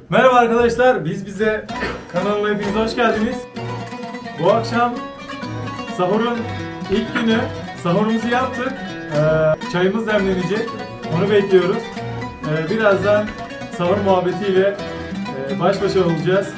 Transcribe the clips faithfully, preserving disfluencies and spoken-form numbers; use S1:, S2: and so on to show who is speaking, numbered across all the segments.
S1: Merhaba arkadaşlar, biz bize kanalına hepiniz hoş geldiniz. Bu akşam sahurun ilk günü, sahurumuzu yaptık. Ee, çayımız demlenecek, onu bekliyoruz. Ee, birazdan sahur muhabbetiyle e, baş başa olacağız.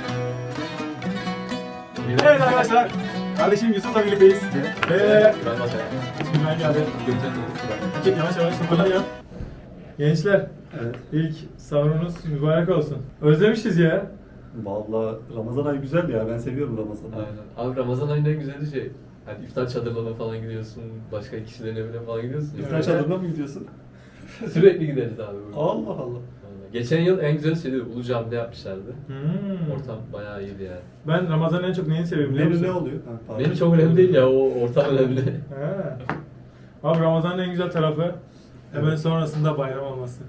S1: Evet arkadaşlar, kardeşim Yusuf'la birlikteyiz. Ve şimdi ben geldim. Yavaş yavaş toparlayalım. Gençler,
S2: Evet.
S1: ilk sahurunuz mübarek olsun. Özlemişiz ya.
S2: Vallahi Ramazan ayı güzel ya. Ben seviyorum Ramazan'ı.
S3: Aynen. Abi Ramazan ayında en güzel şey. Hani iftar çadırlarına falan gidiyorsun, başka kişilerin evine falan gidiyorsun.
S2: İftar
S1: Evet.
S2: çadırına mı gidiyorsun?
S3: Sürekli gideriz abi. burada.
S2: Allah Allah.
S3: Aynen. Geçen yıl en güzel şeydi Ulu Cami'de yapmışlardı.
S1: Hmm.
S3: Ortam bayağı iyiydi yani.
S1: Ben Ramazan'ın en çok neyini seviyorum biliyor
S2: Menü
S1: musun?
S2: ne oluyor? Ha, pardon.
S3: Benim çok önemli değil ya, o ortam önemli.
S1: He. Abi Ramazan'ın en güzel tarafı hemen
S2: Evet.
S1: sonrasında bayram olması.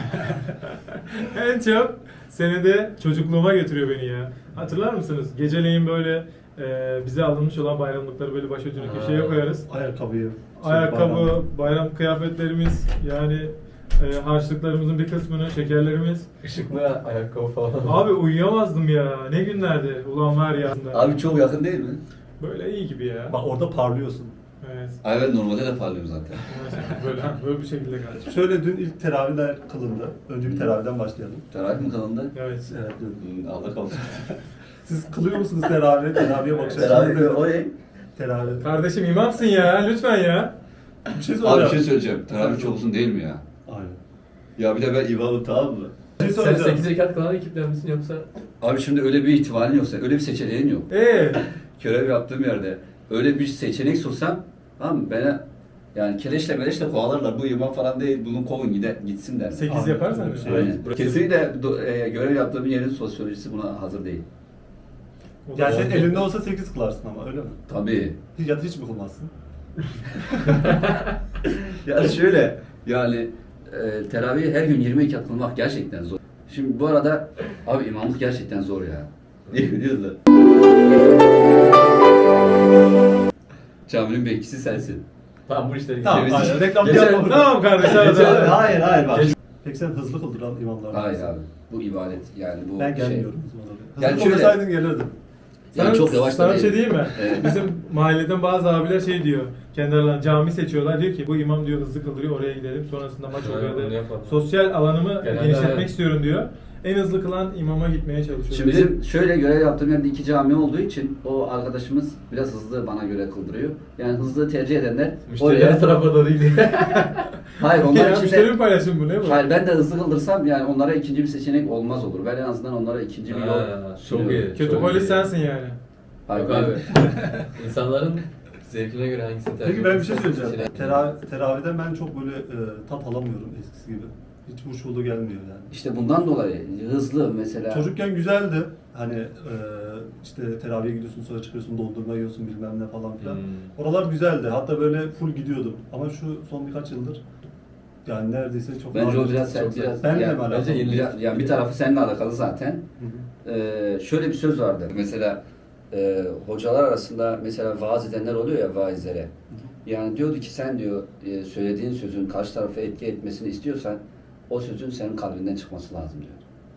S1: En çok senede çocukluğuma götürüyor beni ya. Hatırlar mısınız? Geceleyin böyle e, bize alınmış olan bayramlıkları böyle başucuna
S3: Ha.
S1: köşeye koyarız.
S2: Ayakkabıyı.
S1: Ayakkabı,
S2: bayram.
S1: bayram kıyafetlerimiz, yani e, harçlıklarımızın bir kısmını, şekerlerimiz.
S3: Işıklı ayakkabı falan.
S1: Abi uyuyamazdım ya. Ne günlerdi. Ulan var ya.
S4: Abi çok yakın değil mi?
S1: Böyle iyi gibi ya.
S2: Bak orada parlıyorsun.
S1: Evet.
S4: Ay ben normalde de parlıyorum zaten.
S1: Böyle, böyle bir şekilde kardeşim.
S2: Şöyle dün ilk teravihler kılındı. Önce bir teravihden başlayalım.
S4: Teravih mi kanalında?
S1: Evet.
S2: Evet dün.
S4: Hmm, Allah kalsın.
S2: Siz kılıyor musunuz teravih? Teravihe bakış
S4: Teravih
S2: açınız
S4: o
S2: ne?
S4: ne?
S2: Teravih.
S1: Kardeşim imamsın ya. Lütfen ya.
S2: Bir şey
S4: Abi
S2: soracağım.
S4: bir şey söyleyeceğim. Teravih çok uzun değil mi ya?
S2: Aynen.
S4: Ya bir de ben imamım, tamam mı?
S2: Bir şey
S3: Sen
S2: soracağım.
S3: sekiz rekat kılan ekipler misin yoksa?
S4: Abi şimdi öyle bir ihtimalin yoksa, öyle bir seçeneğin yok.
S1: Ee,
S4: Görev yaptığım yerde öyle bir seçenek sunsam, tamam mı? Bana yani keleşle meleşle kovalarlar. Bu imam falan değil, bunu kovun gide, gitsin der.
S1: sekiz
S2: Aynen,
S1: yaparsan
S2: öyle bir
S1: bir
S2: şey.
S1: şey.
S4: Aynen. Kesinlikle do- e, görev yaptığım yerin sosyolojisi buna hazır değil.
S2: Yani senin elinde olsa sekiz kılarsın ama öyle mi?
S4: Tabii.
S2: Hiç, ya da hiç mi kılmazsın?
S4: Ya şöyle, yani e, teravihi her gün yirmi rekat kılmak gerçekten zor. Şimdi bu arada abi imamlık gerçekten zor ya. Ne biliyorsun? Caminin bekçisi sensin.
S3: Tamam bu işleri
S2: Tamam,
S3: geçelim.
S2: aynen. Reklam
S4: Geçen-
S2: yapma.
S1: Tamam kardeşim. hadi,
S4: Geçen-
S1: hadi.
S2: Hayır hayır bak. Peki sen hızlı kıldıran imamlar
S4: Hayır
S2: mısın?
S4: abi, bu ibadet yani bu
S2: Ben
S4: şey.
S2: gelmiyorum. Hızlı
S4: Yani şöyle-
S2: kılsaydın gelirdim.
S4: Yani
S1: Sana-
S4: çok yavaş da
S1: Sana bir şey
S4: değil.
S1: diyeyim mi?
S4: Evet.
S1: Bizim mahalleden bazı abiler şey diyor. Kendi aralarında cami seçiyorlar. Diyor ki bu imam diyor hızlı kıldırıyor, oraya gidelim. Sonrasında maç
S3: Evet,
S1: oluyor.
S3: onu
S1: da
S3: yapalım.
S1: sosyal alanımı
S3: Genelde
S1: genişletmek
S3: evet.
S1: istiyorum diyor. En hızlı kılan imama gitmeye çalışıyor.
S4: Şimdi bizim şöyle görev yaptığım yerde iki cami olduğu için o arkadaşımız biraz hızlı bana göre kıldırıyor. Yani hızlı tercih edenler
S3: Müşteri her tarafa doğru gidiyor.
S4: Hayır onlar
S1: ya,
S4: için
S1: müşteri
S4: de...
S1: mi paylaşım bu ne bu?
S4: Hayır ben de hızlı kıldırsam yani onlara ikinci bir seçenek olmaz olur. Ben en azından onlara ikinci bir yol
S3: Ha, çok
S4: sunuyorum.
S3: iyi.
S1: Kötü
S3: Çok
S1: polis
S3: iyi.
S1: sensin yani.
S4: Hayır,
S3: Yok
S4: ben-
S3: abi. İnsanların zevkine göre hangisini tercih
S2: Peki ben bir şey
S3: ediyorsa
S2: söyleyeceğim.
S3: seçenek-
S2: Teravih, teravihden ben çok böyle e, tat alamıyorum eskisi gibi. Hiç huşulu gelmiyor yani.
S4: İşte bundan dolayı hızlı mesela.
S2: Çocukken güzeldi. Hani e, işte teravihe gidiyorsun sonra çıkıyorsun dondurma yiyorsun bilmem ne falan filan.
S3: Hmm.
S2: Oralar güzeldi. Hatta böyle full gidiyordum. Ama şu son birkaç yıldır yani neredeyse çok
S4: Bence o
S2: nadir.
S4: biraz sen
S3: Çok
S4: biraz
S2: Benle
S4: yani,
S2: mi alakalı?
S3: bence yeni-
S4: biraz- yani bir tarafı seninle alakalı zaten.
S2: Hı hı.
S4: Ee, şöyle bir söz vardı. Mesela e, hocalar arasında mesela vaaz edenler oluyor ya vaizlere. Yani diyordu ki sen diyor e, söylediğin sözün karşı tarafa etki etmesini istiyorsan o sözün senin kalbinden çıkması lazım diyor.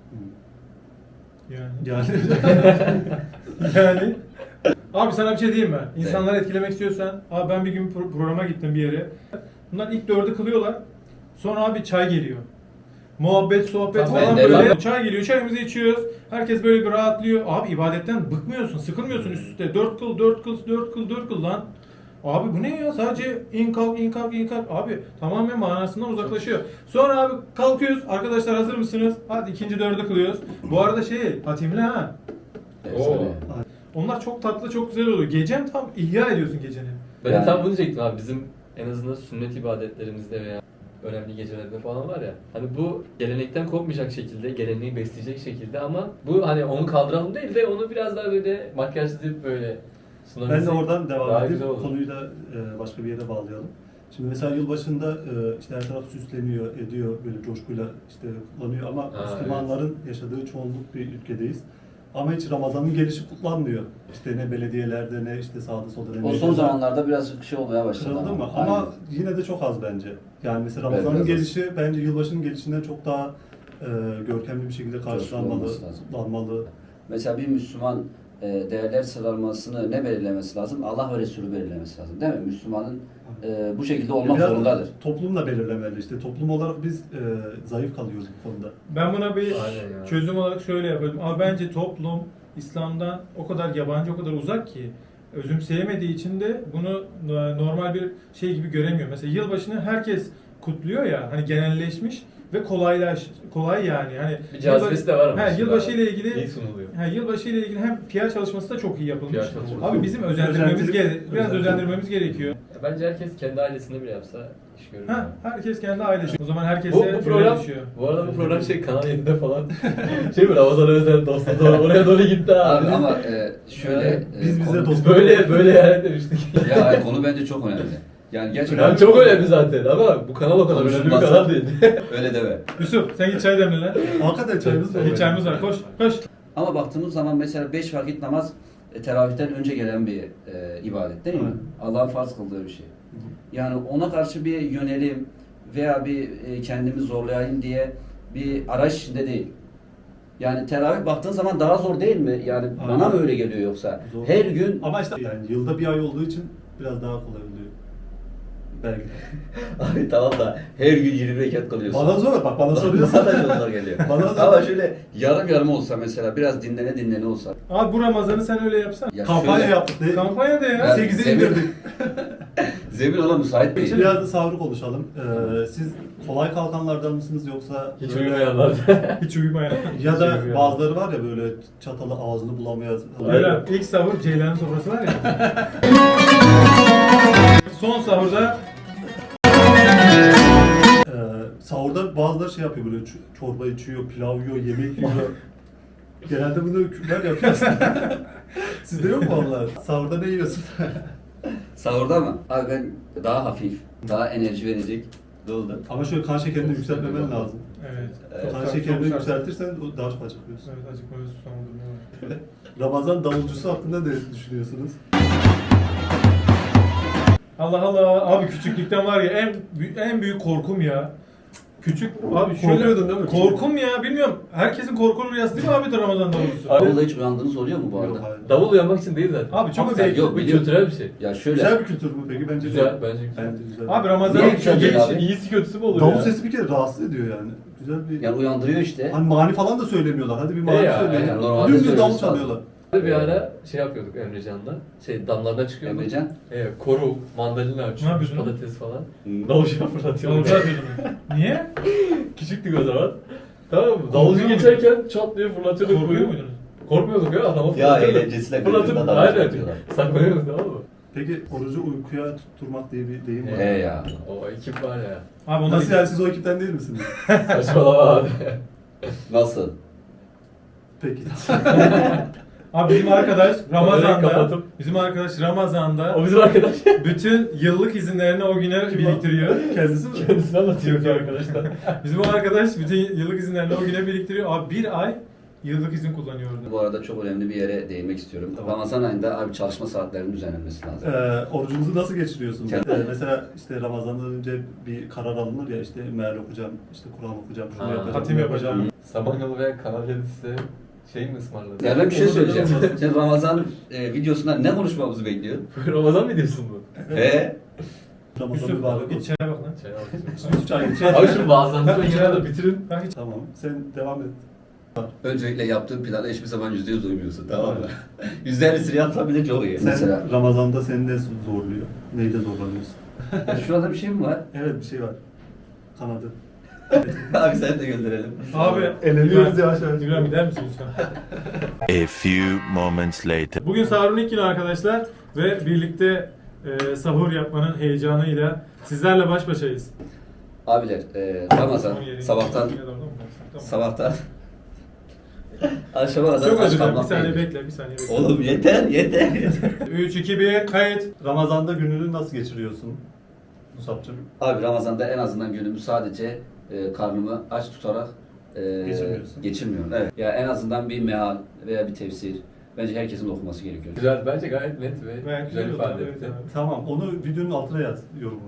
S1: Yani.
S2: Yani
S1: Yani. Abi sana bir şey diyeyim mi? İnsanları etkilemek istiyorsan, abi ben bir gün pro- programa gittim bir yere. Bunlar ilk dördü kılıyorlar. Sonra abi çay geliyor. Muhabbet, sohbet
S3: Tamam,
S1: falan
S3: ben de
S1: böyle.
S3: var.
S1: Çay geliyor, çayımızı içiyoruz. Herkes böyle bir rahatlıyor. Abi ibadetten bıkmıyorsun, sıkılmıyorsun üst üste. Dört kıl, dört kıl, dört kıl, dört kıl lan. Abi bu ne ya? Sadece in kalk, in kalk, in kalk. Abi tamamen manasından uzaklaşıyor. Sonra abi kalkıyoruz. Arkadaşlar hazır mısınız? Hadi ikinci dördü kılıyoruz. Bu arada şey, hatimli ha.
S4: Efsane.
S1: Onlar çok tatlı, çok güzel oluyor. Gecen tam ihya ediyorsun geceni.
S3: Ben de
S4: Yani-
S3: tam bunu diyecektim abi. Bizim en azından sünnet ibadetlerimizde veya önemli gecelerde falan var ya. Hani bu gelenekten kopmayacak şekilde, geleneği besleyecek şekilde ama bu hani onu kaldıralım değil de onu biraz daha böyle makyajlayıp böyle
S2: ben de
S3: sunabilsek
S2: oradan devam
S3: daha
S2: edeyim.
S3: güzel olur.
S2: Konuyu da e, başka bir yere bağlayalım. Şimdi mesela yılbaşında e, işte her taraf süsleniyor, ediyor, böyle coşkuyla işte kullanıyor ama
S3: Ha,
S2: Müslümanların yaşadığı çoğunluk bir ülkedeyiz. Ama hiç Ramazan'ın gelişi kutlanmıyor. İşte ne belediyelerde ne işte sağda solda ne
S4: O son
S2: medyada.
S4: zamanlarda biraz şey olmaya başladı.
S2: Kırıldı mı?
S4: Aynen.
S2: Ama yine de çok az bence. Yani mesela
S4: Evet,
S2: Ramazan'ın
S4: biraz az.
S2: gelişi bence yılbaşının gelişinden çok daha e, görkemli bir şekilde karşılanmalı,
S4: olması lazım.
S2: kutlanmalı.
S4: Mesela bir Müslüman e, değerler sıralamasını ne belirlemesi lazım? Allah ve Resulü belirlemesi lazım değil mi? Müslümanın e, bu şekilde olmak
S2: Biraz
S4: zorundadır.
S2: Toplum da belirlemeli işte. Toplum olarak biz e, zayıf kalıyoruz bu konuda.
S1: Ben buna bir
S3: Aynen ya.
S1: çözüm olarak şöyle yapıyorum. Ama bence toplum İslam'dan o kadar yabancı, o kadar uzak ki özümseyemediği için de bunu normal bir şey gibi göremiyor. Mesela yılbaşını herkes kutluyor ya, hani genelleşmiş ve kolaylaş kolay yani. Hani
S3: Bir cazibesi de var ama
S1: He,
S3: şimdi
S1: yılbaşı
S3: abi.
S1: ile ilgili
S3: İyi sunuluyor.
S1: he, yılbaşı ile ilgili hem P R çalışması da çok iyi yapılmış.
S3: P R çalışması.
S1: Abi bizim özendirmemiz
S2: Özentirip-
S1: gere biraz
S2: özentirip-
S1: özendirmemiz gerekiyor.
S3: Bence herkes kendi ailesinde bile yapsa iş görür.
S1: Ha, herkes kendi ailesi. O zaman herkese
S3: Bu, bu
S1: görev
S3: program,
S1: düşüyor.
S3: bu arada bu program şey Kanal yedide falan. şey mi Ramazan özel dosta doğru oraya doğru gitti abi.
S4: Abi ama e, şöyle...
S3: Yani
S4: e,
S2: biz bize
S4: konu-
S2: dost-
S3: Biz böyle böyle yani demiştik.
S4: Ya konu bence çok önemli. Yani gerçekten...
S3: Yani çok önemli zaten ama bu kanal o kadar önemli bir
S4: Konuşulmazsa-
S3: kanal değil.
S4: Öyle deme.
S1: Yusuf sen git çay demle lan.
S2: Hakikaten çayımız var.
S1: Hiç çayımız var. Koş, koş.
S4: Ama baktığımız zaman mesela beş vakit namaz e, teravihten önce gelen bir e, ibadet değil mi?
S2: Evet.
S4: Allah'ın farz kıldığı bir şey. Yani ona karşı bir yönelim veya bir e, kendimi zorlayayım diye bir araç içinde değil. Yani teravih baktığın zaman daha zor değil mi? Yani
S2: Aynen.
S4: bana mı öyle geliyor yoksa?
S2: Zor.
S4: Her gün
S2: Ama işte yani yılda bir ay olduğu için biraz daha kolay oluyor. Belki de.
S4: Abi tamam da her gün yirmi rekat kılıyorsun.
S2: Bana zor bak bana soruyorsun.
S4: Bana da zor geliyor.
S2: Bana da-
S4: Ama şöyle yarım yarım olsa mesela biraz dinlene dinlene olsa.
S1: Abi bu Ramazan'ı sen öyle yapsan.
S4: Ya
S2: Kampanya
S4: şöyle,
S2: yaptık. Ne?
S1: Kampanya da ya.
S4: Ben-
S2: sekize
S4: Zemin-
S2: indirdik.
S4: Zemin ona müsait değil.
S2: Biraz da sahuru konuşalım. Ee, siz kolay kalkanlardan mısınız yoksa
S3: Hiç
S2: böyle-
S3: uyumayanlar.
S1: Hiç uyumayan.
S2: Ya da
S3: Şey
S2: bazıları var ya böyle çatalı ağzını bulamıyor.
S1: Öyle ilk sahur Ceylan'ın sofrası var ya. Son sahurda
S2: Ee, sahurda bazıları şey yapıyor böyle ç- çorba içiyor, pilav yiyor, yemek yiyor. Genelde bunu Kürtler yapıyor. Sizde yok mu onlar? Sahurda ne yiyorsun?
S4: Sahurda mı? Abi ben daha hafif, daha enerji verecek doldu.
S2: Ama şöyle kan şekerini yükseltmemen lazım.
S1: evet.
S4: Evet.
S2: Kan
S1: sert,
S2: şekerini
S1: çok sert.
S2: yükseltirsen o daha çok acıkıyorsun.
S1: Evet acıkmaya susamadırma var.
S2: Ramazan davulcusu hakkında ne düşünüyorsunuz?
S1: Allah Allah abi küçüklükten var ya en bü- en büyük korkum ya. Küçük abi şöyle
S2: Korkuyordun değil mi?
S1: korkum ya bilmiyorum. Herkesin korkulu rüyası değil mi abi de Ramazan davulcusu?
S3: Abi-
S4: Davulda hiç uyandığınız oluyor mu bu arada?
S2: Yok hayır.
S3: Davul uyanmak için değil zaten.
S1: Abi çok
S2: Ama
S1: zevkli.
S4: yok,
S3: Bir
S4: biliyorum.
S3: kültürel bir şey.
S4: Ya şöyle,
S2: Güzel bir kültür mü peki? Bence
S3: Güzel,
S2: değil.
S3: bence güzel.
S2: Bence güzel.
S1: Abi Ramazan
S4: Niye güzel değil abi?
S3: İyisi kötüsü mü olur
S2: Davul
S3: ya?
S2: sesi bir kere rahatsız ediyor yani. Güzel bir...
S4: yani uyandırıyor işte.
S2: Hani mani falan da söylemiyorlar. Hadi bir mani
S3: E ya,
S2: söyleyin.
S4: yani normalde
S2: Dümdüz davul
S4: söylemesi
S2: çalıyorlar.
S3: Bir ara şey yapıyorduk Emrecan'la. Şey damlarına çıkıyorduk.
S4: Emrecan.
S3: Evet, koru, mandalina
S1: Ne
S3: açıyor,
S1: yapıyorsun?
S3: patates falan.
S4: Hmm.
S3: Davulcuya fırlatıyorduk.
S1: Davulcu atıyordum. Niye?
S3: Küçüktük o zaman. Tamam mı?
S1: Korkuyor
S3: Davulcu
S1: muydun?
S3: geçerken çat diye fırlatıyorduk.
S1: Korkuyor
S3: Böyle.
S1: muydunuz?
S3: Korkmuyorduk ya adamı
S4: Ya
S3: fırlatıyorduk.
S4: eğlencesine
S3: Fırlatıp
S4: birbirine davul
S3: aynen.
S4: atıyorlar.
S3: Saklanıyorduk tamam mı?
S2: Peki orucu uykuya tutturmak diye bir deyim var.
S4: He ya.
S3: O ekip var ya.
S1: Abi onlar
S2: Nasıl yani siz o ekipten değil misiniz?
S3: Saçmalama abi.
S4: Nasıl?
S2: Peki.
S1: Abi bizim arkadaş Ramazan'da
S3: kapatıp-
S1: bizim arkadaş Ramazan'da
S3: O bizim arkadaş.
S1: bütün yıllık izinlerini o güne biriktiriyor.
S2: Kendisi mi?
S3: Kendisi anlatıyor ki arkadaşlar.
S1: Bizim o arkadaş bütün yıllık izinlerini o güne biriktiriyor. Abi bir ay yıllık izin kullanıyor orada.
S4: Bu arada çok önemli bir yere değinmek istiyorum.
S2: Tamam.
S4: Ramazan ayında abi çalışma saatlerinin düzenlenmesi lazım.
S2: Ee, orucunuzu nasıl geçiriyorsunuz?
S4: Kendi-
S2: Ee, mesela işte Ramazan'dan önce bir karar alınır ya işte meal okuyacağım, işte Kur'an okuyacağım, şunu
S3: Ha,
S2: yapacağım.
S1: hatim
S2: bunu
S1: yapacağım.
S3: Samanyolu veya Kanal yedi size şey mi ısmarladı?
S4: Ya ben bir şey
S2: Onu da
S4: söyleyeceğim.
S2: yapamazsın.
S4: Sen Ramazan e, videosundan ne konuşmamızı bekliyorsun?
S3: Ramazan mı diyorsun bu?
S4: He?
S2: Ramazan
S1: Yusuf
S2: mübarek
S1: git
S2: olsun.
S1: çaya bak lan.
S3: Çay alacağım.
S2: Yusuf çay getir.
S3: Abi şu bazılarınızı ben genelde bitirin.
S1: Bak hiç.
S2: Tamam, sen devam et.
S4: Öncelikle yaptığın plana hiçbir zaman yüzde yüz uymuyorsun, tamam mı? Yüzde ellisini yapsan bile çok iyi.
S2: Sen
S4: Mesela
S2: Ramazan'da seni ne zorluyor? Neyde zorlanıyorsun?
S4: şurada bir şey mi var?
S2: Evet bir şey var. Kanadı.
S4: Abi sen de gönderelim.
S1: Abi
S2: Eleniyoruz yavaş yavaş.
S1: İbrahim gider misin lütfen?
S5: A few moments later.
S1: Bugün sahurun ilk günü arkadaşlar ve birlikte e, sahur yapmanın heyecanıyla sizlerle baş başayız.
S4: Abiler, e, Ramazan sabahtan sabahtan akşama kadar
S1: Çok
S4: aç
S1: acıdım. Bir
S4: kalmak
S1: saniye
S4: değil.
S1: bekle, bir saniye bekle.
S4: Oğlum yeter, yeter.
S1: üç, iki, bir, kayıt.
S2: Ramazan'da gününü nasıl geçiriyorsun? Musab'cığım.
S4: Abi Ramazan'da en azından günümü sadece e, karnımı aç tutarak e,
S2: Geçirmiyorsun.
S4: geçirmiyorum. Evet. Ya en azından bir meal veya bir tefsir Bence herkesin okuması gerekiyor.
S3: Güzel, bence gayet net ve
S1: Gayet
S3: güzel
S1: güzel oldu,
S3: ifade
S1: evet
S3: etti.
S1: abi.
S2: Tamam, onu videonun altına yaz yorumu.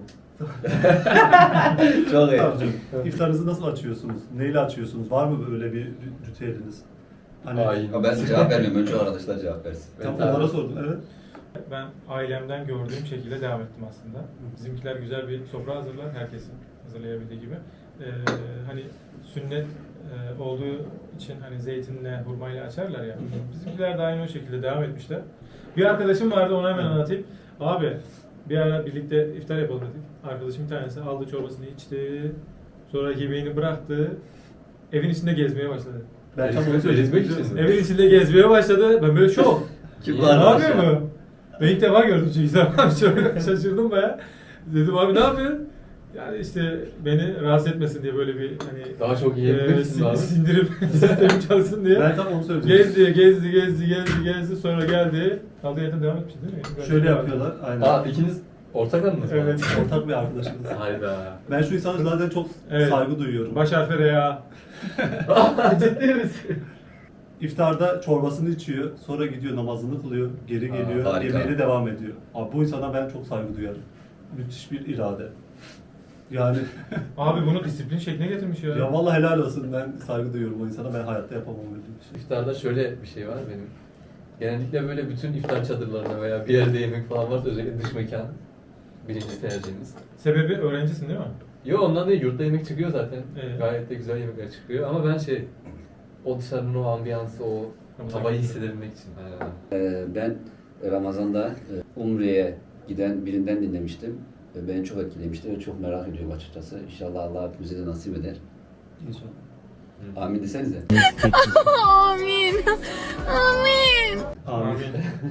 S4: Çok iyi.
S2: Tamam canım. İftarınızı nasıl açıyorsunuz? Neyle açıyorsunuz? Var mı böyle bir ritüeliniz? Hani
S3: Hain.
S4: Ya ben cevap vermiyorum. Önce o arkadaşlar cevap versin.
S2: tam
S3: Evet abi.
S2: onlara sordum. Evet.
S1: Ben ailemden gördüğüm şekilde devam ettim aslında. Bizimkiler güzel bir sofra hazırlar, herkesin hazırlayabildiği gibi. Ee, hani sünnet e, olduğu için hani zeytinle, hurmayla açarlar ya. Bizimkiler de aynı o şekilde devam etmişler. Bir arkadaşım vardı, onu hemen anlatayım. Abi bir ara birlikte iftar yapalım dedik. Arkadaşım bir tanesi aldı çorbasını içti. Sonra yemeğini bıraktı. Evin içinde gezmeye başladı.
S2: Ben tam
S3: Ezmek-
S2: onu söyleyecektim.
S3: ezmek için mi?
S1: Evin içinde gezmeye başladı. Ben böyle şok.
S4: Kim
S3: İyi.
S4: var
S1: Ne
S4: arkadaş
S1: yapıyor
S4: ya?
S1: bu? Ben ilk defa gördüm çünkü zaman çok şaşırdım baya. Dedim abi ne yapıyorsun? Yani işte beni rahatsız etmesin diye böyle bir hani
S3: Daha çok yiyebilmek
S1: e,
S3: için
S1: sin-
S3: abi.
S1: sindirim sistemi çalışsın diye.
S2: Ben tam onu söyleyecektim.
S1: Gezdi, gezdi, gezdi, gezdi, gezdi. Sonra geldi. Kaldığı yerden devam etmiş değil mi? Böyle
S2: Şöyle
S1: devam
S2: yapıyorlar. Aynen.
S3: Aa, ikiniz ortak anınız mı?
S1: Evet.
S2: Ortak bir arkadaşımız.
S3: Hayda.
S2: Ben şu insana zaten çok
S1: Evet.
S2: saygı duyuyorum.
S1: Baş harfi R ya.
S3: Ciddi misin?
S2: İftarda çorbasını içiyor, sonra gidiyor namazını kılıyor, geri
S3: Aa,
S2: geliyor,
S4: harika.
S2: yemeğine devam ediyor. Abi bu insana ben çok saygı duyarım. Müthiş bir irade. Yani
S1: Abi bunu disiplin şekline getirmiş ya.
S2: ya vallahi helal olsun, ben saygı duyuyorum o insana, ben hayatta yapamam öyle bir şey.
S3: İftarda şöyle bir şey var benim. Genellikle böyle bütün iftar çadırlarına veya bir yerde yemek falan varsa özellikle dış mekan birinci tercihimiz.
S1: Sebebi öğrencisin değil mi?
S3: Yo, ondan değil, yurtta yemek çıkıyor zaten.
S1: Evet.
S3: Gayet de güzel yemekler çıkıyor ama ben şey, o dışarının o ambiyansı, o havayı hissedebilmek için. Aynen.
S4: Ee, ben Ramazan'da e, Umre'ye giden birinden dinlemiştim. Ve beni çok etkilemişti ve çok merak ediyorum açıkçası. İnşallah Allah hepimize de nasip eder.
S2: İnşallah.
S4: Amin desenize.
S6: Amin. Amin.
S2: Amin.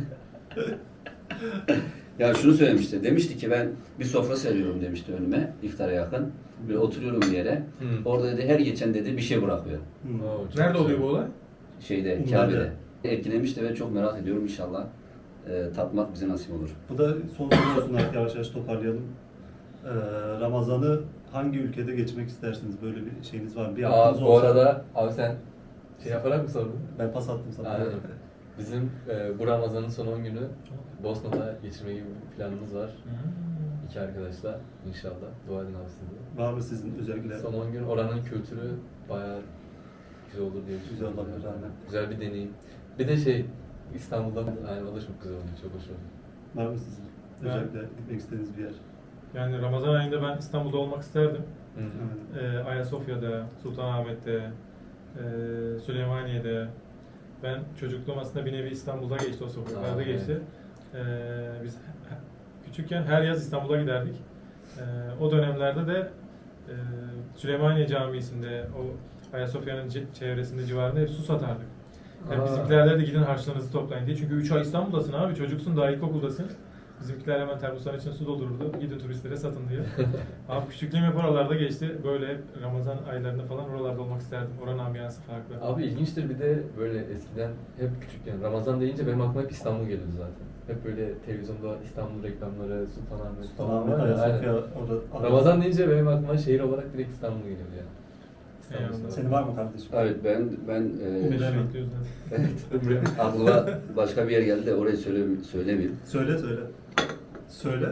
S4: Ya şunu söylemişti. Demişti ki ben bir sofra seriyorum demişti önüme iftara yakın. Böyle oturuyorum bir yere.
S3: Hı.
S4: Orada dedi her geçen dedi bir şey bırakıyor.
S2: Hmm.
S3: Oo, çok
S1: Nerede
S3: güzel.
S1: oluyor bu olay?
S4: Şeyde,
S2: Umre'de.
S4: Kabe'de. Etkilemişti ve çok merak ediyorum inşallah. E, tatmak bize nasip olur.
S2: Bu da son soru olsun artık, yavaş yavaş toparlayalım. Ee, Ramazan'ı hangi ülkede geçmek istersiniz? Böyle bir şeyiniz var mı? Bir
S3: Aa,
S2: aklınız
S3: bu
S2: olsa.
S3: arada abi sen şey yaparak mı sordun?
S2: Ben pas attım sana.
S3: Aynen. Bizim e, bu Ramazan'ın son on günü Bosna'da geçirme gibi bir planımız var. İki arkadaşla inşallah. Dua edin abi siz de.
S2: Var mı sizin özellikle?
S3: Son on gün oranın kültürü bayağı güzel olur diye
S2: Güzel
S3: düşünüyorum.
S2: olabilir, aynen.
S3: Güzel bir deneyim. Bir de şey, İstanbul'da aynen o da çok güzel oldu, çok hoş oldu.
S2: Var mı sizin
S1: Ben-
S2: özellikle gitmek istediğiniz bir yer?
S1: Yani Ramazan ayında ben İstanbul'da olmak isterdim.
S3: Hı.
S2: Aynen.
S1: Ee, Ayasofya'da, Sultanahmet'te, e, Süleymaniye'de. Ben çocukluğum aslında bir nevi İstanbul'da geçti, o sokaklarda
S3: Aa,
S1: geçti. Ee, biz küçükken her yaz İstanbul'a giderdik. Ee, o dönemlerde de e, Süleymaniye Camii'sinde, o Ayasofya'nın ce- çevresinde, civarında hep su satardık. Yani
S3: Aa.
S1: bizimkiler de gidin harçlarınızı toplayın diye. Çünkü üç ay İstanbul'dasın abi, çocuksun, daha ilkokuldasın. Bizimkiler hemen termosların içine su doldururdu. Gidin turistlere satın diye. Abi küçüklüğüm hep oralarda geçti. Böyle hep Ramazan aylarında falan oralarda olmak isterdim. Oranın ambiyansı farklı.
S3: Abi ilginçtir, bir de böyle eskiden hep küçükken Ramazan deyince benim aklıma hep İstanbul geliyordu zaten. Hep böyle televizyonda İstanbul reklamları, Sultanahmet falan
S2: Sultanahmet,
S3: var ya,
S2: Ayasofya,
S3: aynen.
S2: orada.
S3: Ramazan deyince benim aklıma şehir olarak direkt İstanbul geliyor yani.
S1: Eyvallah.
S3: İstanbul.
S2: Senin var mı kardeşim?
S4: Evet ben ben e,
S1: Umre'den
S2: Umre.
S1: bekliyoruz zaten.
S4: aklıma başka bir yer geldi de orayı söyle, söylemeyeyim.
S2: Söyle söyle. Söyle.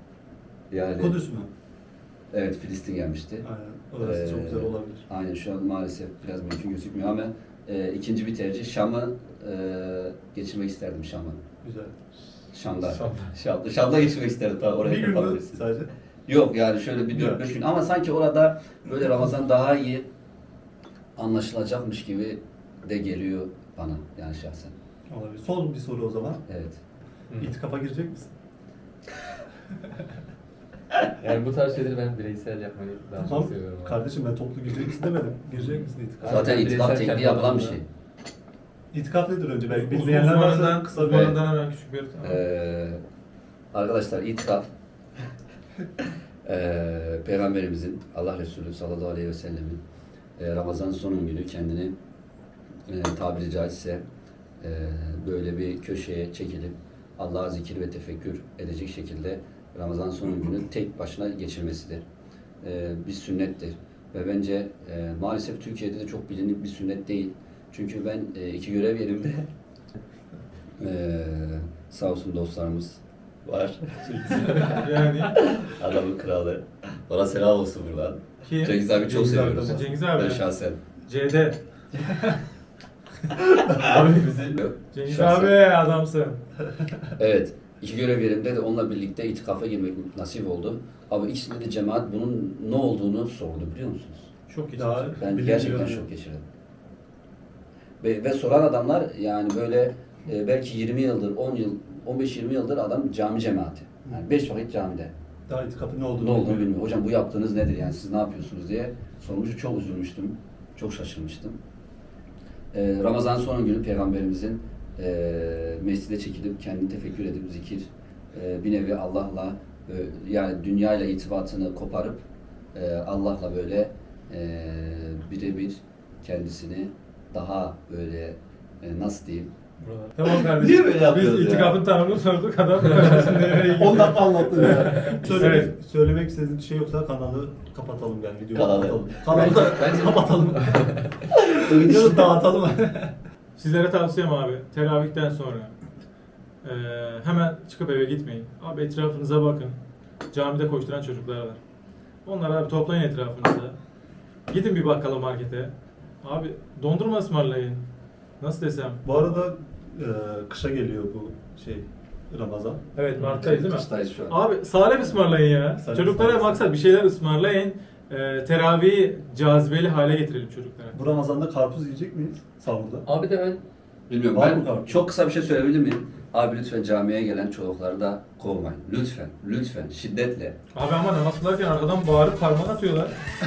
S4: Yani
S2: Kudüs mü?
S4: evet Filistin gelmişti.
S2: Aynen. Orası çok
S4: Ee,
S2: güzel olabilir.
S4: Aynen şu an maalesef biraz mümkün gözükmüyor ama e, ikinci bir tercih Şam'ı e, geçirmek isterdim Şam'ı.
S2: Güzel.
S4: Şam'da.
S3: Şam'da.
S4: Şam'da. Şam'da geçirmek isterdim tabii oraya
S2: Bir gün mü
S4: kapatabilirsin.
S2: sadece?
S4: Yok yani şöyle bir dört beş gün ama sanki orada böyle Ramazan daha iyi anlaşılacakmış gibi de geliyor bana yani şahsen.
S2: Olabilir. Son bir soru o zaman.
S4: Evet.
S3: Hı.
S2: İtikafa girecek misin?
S3: Yani bu tarz şeyleri ben bireysel yapmayı daha
S2: Tamam.
S3: çok seviyorum. abi.
S2: Kardeşim ben toplu girecek misin demedim. Girecek misin itikafa?
S4: Zaten
S3: ben
S4: itikaf
S3: bireysel
S4: tekniği
S3: kendi
S4: yapılan bir
S3: alanımda-
S4: şey.
S2: İtikaf nedir önce? Belki
S1: Uz-
S2: bilmeyenler varsa
S1: Uzmanından,
S2: kısa bir...
S1: uzmanından hemen küçük bir...
S4: Ee, arkadaşlar itikaf ee, Peygamberimizin Allah Resulü sallallahu aleyhi ve sellemin e, Ramazan son günü kendini e, tabiri caizse e, böyle bir köşeye çekilip Allah'a zikir ve tefekkür edecek şekilde Ramazan son günü tek başına geçirmesidir. E, bir sünnettir. Ve bence e, maalesef Türkiye'de de çok bilinip bir sünnet değil. Çünkü ben e, iki görev yerimde Ee, sağ olsun dostlarımız var.
S1: Yani
S4: Adamın kralı. Ona selam olsun buradan.
S1: kim?
S4: Cengiz abi çok
S2: Cengiz abi
S4: seviyoruz.
S2: de var.
S1: Cengiz abi.
S4: Ben şahsen.
S1: C D.
S3: Abi bizi
S4: Yok.
S1: Cengiz
S4: Şahsen.
S1: abi adamsın.
S4: Evet. İki görev yerimde de onunla birlikte itikafa girmek nasip oldu. Ama ikisinde de cemaat bunun ne olduğunu sordu biliyor musunuz?
S1: Çok iyi.
S2: Daha
S1: çalışıyor.
S4: Ben
S2: bilinmiyor
S4: gerçekten
S2: yani.
S4: şok geçirdim. Ve, ve soran adamlar yani böyle e, belki yirmi yıldır, on yıl, on beş yirmi yıldır adam cami cemaati. Yani beş vakit camide.
S2: Daha itikafın ne olduğunu
S4: Ne olduğunu
S2: bilmiyorum.
S4: bilmiyor. Hocam bu yaptığınız nedir yani siz ne yapıyorsunuz diye sormuştu. Çok üzülmüştüm. Çok şaşırmıştım. Ee, Ramazan son günü Peygamberimizin e, mescide çekilip kendini tefekkür edip zikir e, bir nevi Allah'la e, yani dünyayla irtibatını koparıp e, Allah'la böyle e, birebir kendisini daha böyle e, nasıl diyeyim
S1: Tamam kardeşim.
S2: Niye böyle yapıyoruz
S1: Biz
S2: ya?
S1: itikafın tanımını sorduk adam. Şimdi nereye gidiyor?
S2: on dakika anlattın ya. Söylemek,
S1: Evet.
S2: söylemek istediğin bir şey yoksa kanalı kapatalım yani videoyu
S4: Kanalı.
S2: kapatalım. Kanalı da
S3: Bence-
S2: kapatalım. Videoyu dağıtalım.
S1: Sizlere tavsiyem abi, teravihten sonra eee, hemen çıkıp eve gitmeyin. Abi etrafınıza bakın. Camide koşturan çocuklar var. Onları abi toplayın etrafınıza. Gidin bir bakkala markete. Abi dondurma ısmarlayın. Nasıl desem?
S2: Bu arada e, kışa geliyor bu şey Ramazan.
S1: Evet Mart'tayız değil mi?
S4: Kıştayız şu an.
S1: Abi salep ısmarlayın ya.
S2: Salep
S1: Çocuklara
S2: ısmarlasın.
S1: maksat bir şeyler ısmarlayın. Eee teravihi cazibeli hale getirelim çocuklara.
S2: Bu Ramazan'da karpuz yiyecek miyiz sahurda?
S3: Abi de ben
S4: Bilmiyorum
S2: Var mı
S4: ben
S2: kalkın?
S4: çok kısa bir şey söyleyebilir miyim? Abi lütfen camiye gelen çocukları da kovmayın. Lütfen, lütfen, şiddetle.
S1: Abi ama namaz kılarken arkadan bağırıp parmak atıyorlar.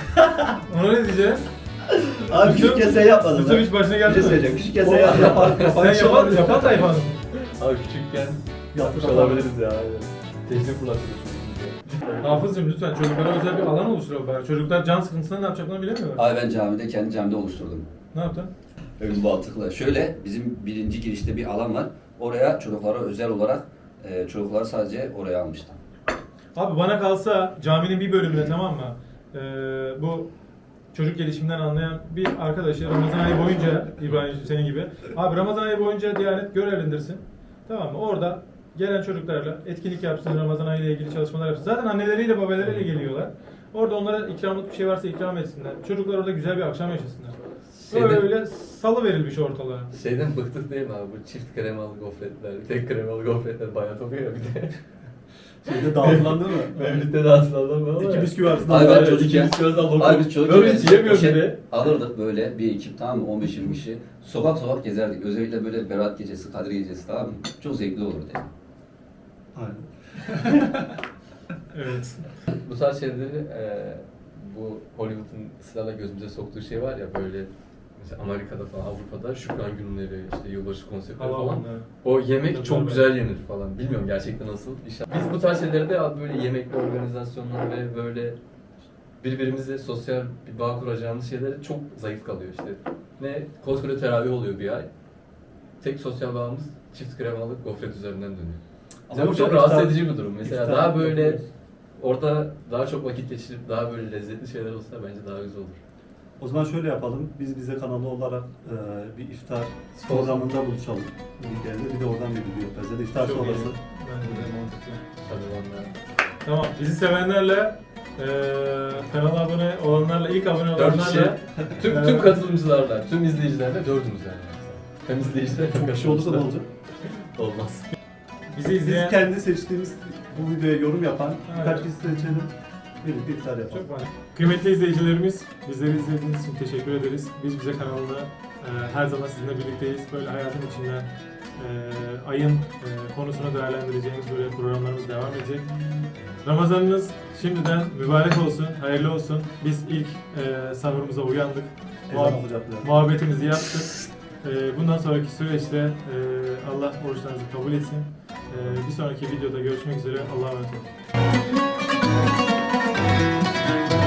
S1: Ona ne diyeceğim?
S2: Abi
S1: Yusuf-
S2: küçük kese yapmadın.
S1: Yusuf hiç başına geldi mi?
S2: Küçük kese yap. Yapar, yapar,
S1: Sen yapan, yapan tayfanın.
S3: abi küçükken
S2: Yapmış
S3: olabiliriz ya. Tekne fırlatıyoruz.
S1: Hafızcığım lütfen çocuklara özel bir alan oluşturalım bari. Çocuklar can sıkıntısında ne yapacaklarını bilemiyorlar.
S4: Abi ben camide kendi camide oluşturdum.
S1: Ne yaptın?
S4: Öyle mantıklı. Şöyle bizim birinci girişte bir alan var. Oraya çocuklara özel olarak e, çocukları sadece oraya almıştım.
S1: Abi bana kalsa caminin bir bölümüne tamam mı? Ee, bu çocuk gelişiminden anlayan bir arkadaşı Ramazan ayı boyunca İbrahim'ciğim senin gibi. Abi Ramazan ayı boyunca Diyanet görevlendirsin. Tamam mı? Orada gelen çocuklarla etkinlik yapsın, Ramazan ayı ile ilgili çalışmalar yapsın. Zaten anneleriyle babalarıyla geliyorlar. Orada onlara ikramlık bir şey varsa ikram etsinler. Çocuklar orada güzel bir akşam yaşasınlar.
S3: Şeyden-
S1: Öyle salı verilmiş ortalığa.
S3: Şeyden bıktık değil mi abi? Bu çift kremalı gofretler, tek kremalı gofretler bayat oluyor ya bir de.
S2: Şeyde dağıtılan değil mi?
S3: Mevlüt'te de atılanlar var
S2: İki
S3: ya.
S2: bisküvi arasında.
S4: Abi ben
S3: Aynen,
S4: çocukken,
S3: iki bisküvi arasında
S4: abi biz
S3: lokum.
S4: çocukken
S3: Hiç yiyemiyorum
S4: poşet
S3: bile.
S4: alırdık böyle bir ekip tamam mı? on beş yirmi kişi. Sokak sokak gezerdik. Özellikle böyle Berat gecesi, Kadir gecesi tamam mı? Çok zevkli olurdu yani.
S2: Aynen.
S1: Evet.
S3: Bu tarz şeyleri e, bu Hollywood'un ısrarla gözümüze soktuğu şey var ya böyle mesela Amerika'da falan Avrupa'da Şükran günleri işte yılbaşı konserleri
S1: Hava
S3: falan.
S1: onları.
S3: O yemek
S1: Tabii,
S3: çok
S1: tabii.
S3: güzel yenir falan. Bilmiyorum gerçekten nasıl. İnşallah. Biz bu tarz şeyleri de abi böyle yemekli organizasyonlar ve böyle birbirimizle sosyal bir bağ kuracağımız şeylere çok zayıf kalıyor işte. Ne koskoca teravih oluyor bir ay. Tek sosyal bağımız çift kremalı gofret üzerinden dönüyor. Bize
S2: Ama
S3: bu çok
S2: iftar-
S3: rahatsız edici bir durum. Mesela
S2: iftar
S3: daha böyle
S2: yapıyoruz.
S3: orada daha çok vakit geçirip daha böyle lezzetli şeyler olsa bence daha güzel olur.
S2: O zaman şöyle yapalım. Biz bize kanalı olarak e, bir iftar programında buluşalım. Bir yerde bir de oradan bir video yaparız. Ya da iftar
S1: Çok iyi.
S2: sonrası.
S1: Bence de mantıklı.
S3: Tabii vallahi.
S1: Tamam, bizi sevenlerle, eee kanala abone olanlarla, ilk abone
S3: Dört kişi,
S1: olanlarla
S3: tüm, tüm katılımcılarla, tüm izleyicilerle dördümüz yani. Hem izleyiciler hem
S2: Çok kişi olursa ne olacak?
S3: Olmaz.
S1: bizi
S2: Biz
S1: izleyen
S2: kendi seçtiğimiz bu videoya yorum yapan
S1: Evet.
S2: birkaç kişi seçelim. Birlikte iftar yapalım.
S1: çok var. Kıymetli izleyicilerimiz, bizleri izlediğiniz için teşekkür ederiz. Biz bize kanalında eee, her zaman sizinle birlikteyiz. Böyle hayatın içinden eee, ayın eee, konusunu değerlendireceğimiz böyle programlarımız devam edecek. Ramazanınız şimdiden mübarek olsun, hayırlı olsun. Biz ilk eee sahurumuza uyandık.
S2: Ezan okuyacak biraz.
S1: Muhabbetimizi yaptık. Ee, Bundan sonraki süreçte e, Allah oruçlarınızı kabul etsin. Ee, Bir sonraki videoda görüşmek üzere. Allah'a emanet olun.